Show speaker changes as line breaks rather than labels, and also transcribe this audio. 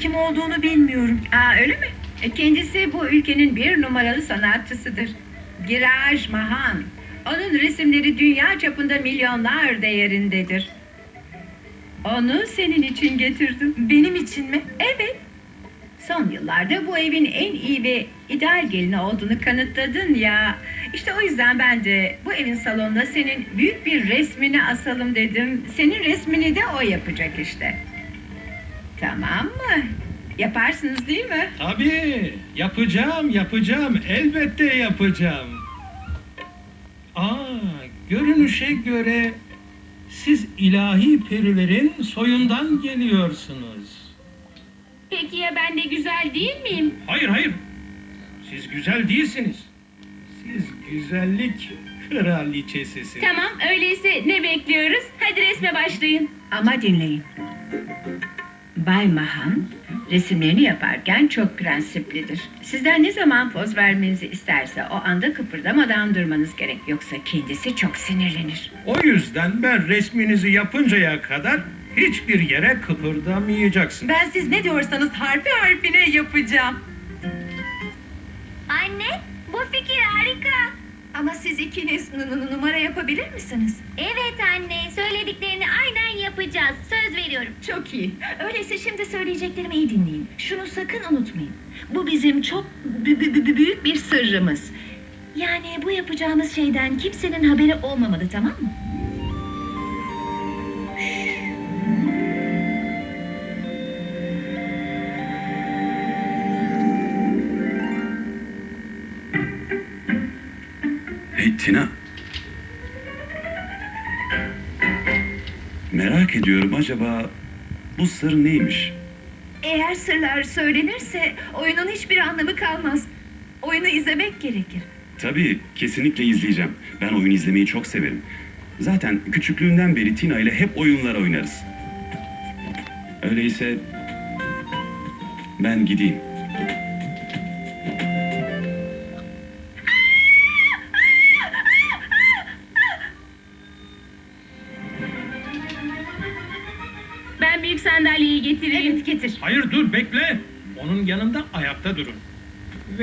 kim olduğunu bilmiyorum.
Aa, öyle mi? Kendisi bu ülkenin bir numaralı sanatçısıdır. Giraj Mahan. Onun resimleri dünya çapında milyonlar değerindedir. Onu senin için getirdim.
Benim için mi?
Evet. Son yıllarda bu evin en iyi ve ideal gelini olduğunu kanıtladın ya. İşte o yüzden ben de bu evin salonuna senin büyük bir resmini asalım dedim. Senin resmini de o yapacak işte. Tamam mı? Yaparsınız değil mi?
Tabii, yapacağım, elbette yapacağım. Görünüşe göre siz ilahi perilerin soyundan geliyorsunuz.
Peki ya ben de güzel değil miyim?
Hayır, siz güzel değilsiniz. Siz güzellik kraliçesisiniz.
Tamam, öyleyse ne bekliyoruz? Hadi resme başlayın.
Ama dinleyin. Bay Mahan resimlerini yaparken çok prensiplidir. Sizden ne zaman poz vermenizi isterse o anda kıpırdamadan durmanız gerek. Yoksa kendisi çok sinirlenir.
O yüzden ben resminizi yapıncaya kadar hiçbir yere kıpırdamayacaksın.
Ben siz ne diyorsanız harfi harfine yapacağım.
Anne, bu fikir harika.
Ama siz ikiniz numara yapabilir misiniz?
Evet anne, söylediklerini aynen yapacağız. Söz veriyorum.
Çok iyi. Öyleyse şimdi söyleyeceklerimi iyi dinleyin. Şunu sakın unutmayın. Bu bizim çok büyük bir sırrımız. Yani bu yapacağımız şeyden kimsenin haberi olmamalı, tamam mı?
Hey Tina. Merak ediyorum, acaba bu sır neymiş?
Eğer sırlar söylenirse oyunun hiçbir anlamı kalmaz. Oyunu izlemek gerekir.
Tabii, kesinlikle izleyeceğim. Ben oyun izlemeyi çok severim. Zaten küçüklüğümden beri Tina ile hep oyunlar oynarız. Öyleyse ben gideyim.
Ben büyük sandalyeyi getireyim.
Evet, getir.
Hayır, dur, bekle. Onun yanında ayakta durun.